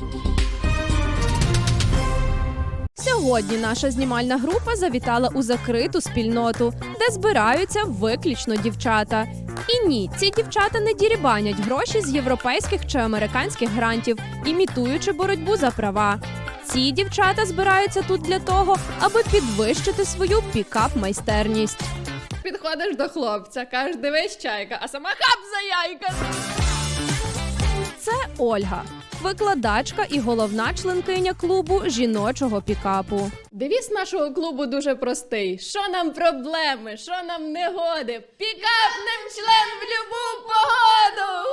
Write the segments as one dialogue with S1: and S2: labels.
S1: Сьогодні наша знімальна група завітала у закриту спільноту, де збираються виключно дівчата. І ні, ці дівчата не дірібанять гроші з європейських чи американських грантів, імітуючи боротьбу за права. Ці дівчата збираються тут для того, аби підвищити свою пікап-майстерність.
S2: Підходиш до хлопця, кажеш, дивись, чайка, а сама хап за яйка.
S1: Це Ольга, викладачка і головна членкиня клубу жіночого пікапу.
S2: Девіз нашого клубу дуже простий. Що нам проблеми, що нам негоди? Пікапнем член в любу погоду!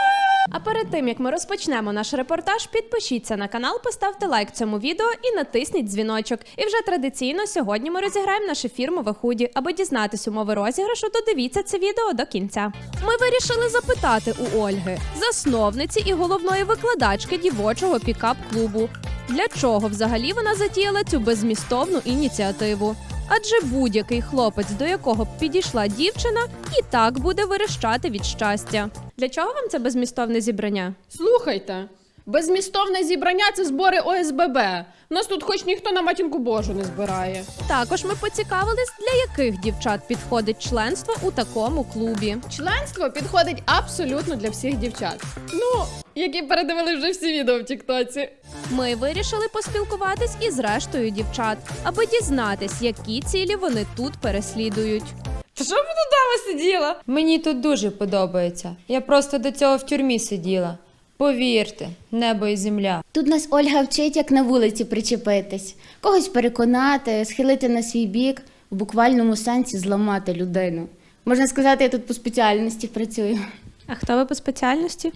S1: А перед тим, як ми розпочнемо наш репортаж, підпишіться на канал, поставте лайк цьому відео і натисніть дзвіночок. І вже традиційно сьогодні ми розіграємо наше фірмове худі. Аби дізнатись умови розіграшу, додивіться це відео до кінця. Ми вирішили запитати у Ольги, засновниці і головної викладачки дівочого пікап-клубу, для чого взагалі вона затіяла цю беззмістовну ініціативу. Адже будь-який хлопець, до якого б підійшла дівчина, і так буде верещати від щастя. Для чого вам це беззмістовне зібрання?
S2: Слухайте, беззмістовне зібрання – це збори ОСББ. Нас тут хоч ніхто на матінку Божу не збирає.
S1: Також ми поцікавились, для яких дівчат підходить членство у такому клубі.
S2: Членство підходить абсолютно для всіх дівчат. Ну, які передивили вже всі відео в тіктоці.
S1: Ми вирішили поспілкуватись із рештою дівчат, аби дізнатись, які цілі вони тут переслідують.
S2: Та що ви тут дома сиділа?
S3: Мені тут дуже подобається. Я просто до цього в тюрмі сиділа. Повірте, небо і земля.
S4: Тут нас Ольга вчить, як на вулиці причепитись. Когось переконати, схилити на свій бік, в буквальному сенсі зламати людину. Можна сказати, я тут по спеціальності працюю.
S1: А хто ви по спеціальності?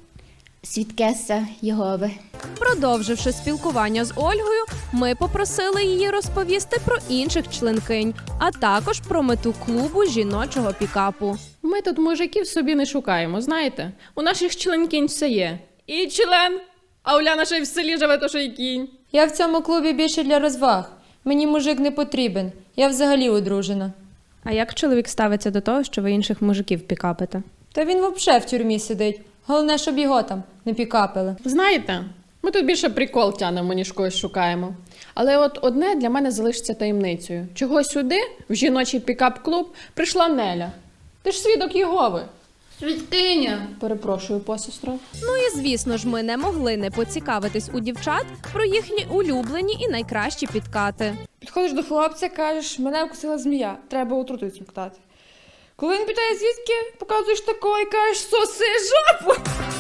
S4: Свідкеса Єгови.
S1: Продовживши спілкування з Ольгою, ми попросили її розповісти про інших членкинь, а також про мету клубу жіночого пікапу.
S2: Ми тут мужиків собі не шукаємо, знаєте? У наших членкінь все є. І член, а Уляна ще й в селі живе, то що й кінь.
S3: Я в цьому клубі більше для розваг. Мені мужик не потрібен. Я взагалі одружена.
S1: А як чоловік ставиться до того, що ви інших мужиків пікапите?
S3: Та він взагалі в тюрмі сидить. Головне, щоб його там не пікапили.
S2: Знаєте, ми тут більше прикол тянемо, ніж когось шукаємо. Але от одне для мене залишиться таємницею. Чого сюди, в жіночий пікап-клуб, прийшла Неля? Ти ж свідок Єгови.
S4: Свідкиня!
S2: Перепрошую, посестро.
S1: Ну і звісно ж, ми не могли не поцікавитись у дівчат про їхні улюблені і найкращі підкати.
S5: Підходиш до хлопця, кажеш, мене вкусила змія, треба отруту смоктати. Коли він питає, звідки, показуєш такого і кажеш, соси жопу.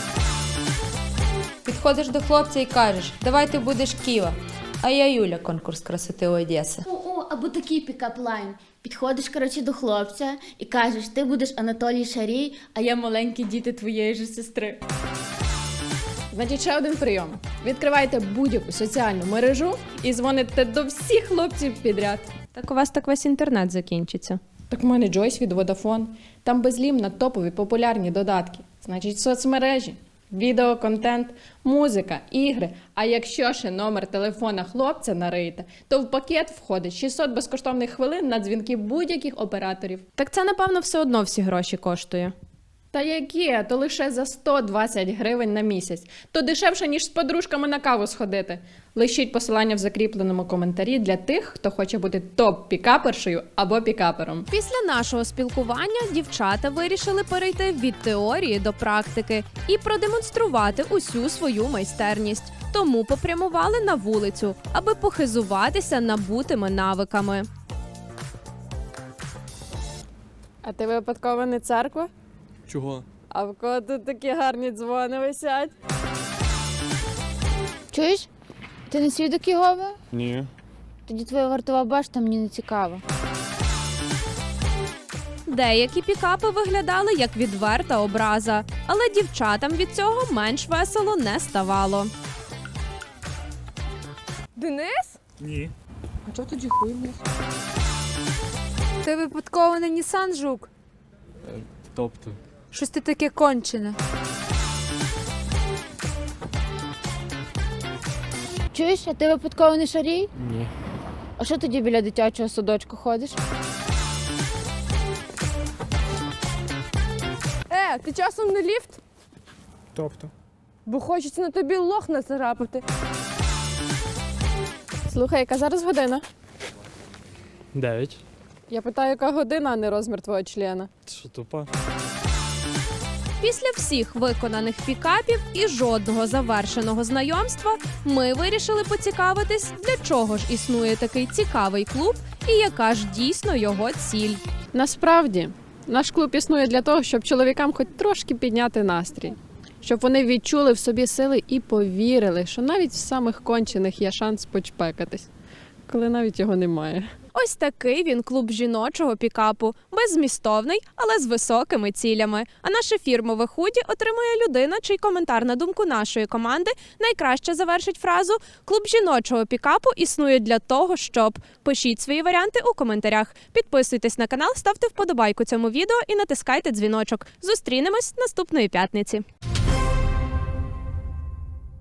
S3: Підходиш до хлопця і кажеш, давай ти будеш Ківа, а я Юля, конкурс красоти Одеси.
S4: Або такий пікап-лайн. Підходиш, коротше, до хлопця і кажеш, ти будеш Анатолій Шарій, а я маленькі діти твоєї ж сестри.
S2: Значить, ще один прийом. Відкривайте будь-яку соціальну мережу і дзвоните до всіх хлопців підряд.
S1: Так у вас так весь інтернет закінчиться.
S2: Так в мене Джойс від Vodafone. Там безлімно топові популярні додатки. Значить, соцмережі, відеоконтент, музика, ігри. А якщо ще номер телефона хлопця нариєте, то в пакет входить 600 безкоштовних хвилин на дзвінки будь-яких операторів.
S1: Так це, напевно, все одно всі гроші коштує.
S2: Та яке? То лише за 120 гривень на місяць. То дешевше, ніж з подружками на каву сходити. Лишіть посилання в закріпленому коментарі для тих, хто хоче бути топ-пікапершею або пікапером.
S1: Після нашого спілкування дівчата вирішили перейти від теорії до практики і продемонструвати усю свою майстерність. Тому попрямували на вулицю, аби похизуватися набутими навиками.
S2: А ти випадково не церква?
S6: Чого?
S2: А в кого тут такі гарні дзвони висять?
S7: Чуєш? Ти не свідок Єгови?
S6: Ні.
S7: Тоді твоя вартова башта мені не цікава.
S1: Деякі пікапи виглядали як відверта образа, але дівчатам від цього менш весело не ставало.
S5: Денис?
S6: Ні.
S5: А чого тоді хуй вниз?
S8: Ти випадково не Нісан Жук?
S6: Тобто?
S8: Щось ти таке кончене.
S7: Чуєш, а ти випадково не Шарій?
S6: Ні.
S7: А що тоді біля дитячого садочку ходиш?
S5: Ти часом не ліфт?
S6: Тобто?
S5: Бо хочеться на тобі лох нацарапати.
S2: Слухай, яка зараз година?
S6: 9.
S2: Я питаю, яка година, а не розмір твого члена.
S6: Що тупа?
S1: Після всіх виконаних пікапів і жодного завершеного знайомства ми вирішили поцікавитись, для чого ж існує такий цікавий клуб і яка ж дійсно його ціль.
S2: Насправді, наш клуб існує для того, щоб чоловікам хоч трошки підняти настрій. Щоб вони відчули в собі сили і повірили, що навіть в самих кончених є шанс почпекатись, коли навіть його немає.
S1: Ось такий він клуб жіночого пікапу, беззмістовний, але з високими цілями. А наше фірмове худі отримує людина, чий коментар на думку нашої команди найкраще завершить фразу «Клуб жіночого пікапу існує для того, щоб…». Пишіть свої варіанти у коментарях. Підписуйтесь на канал, ставте вподобайку цьому відео і натискайте дзвіночок. Зустрінемось наступної п'ятниці.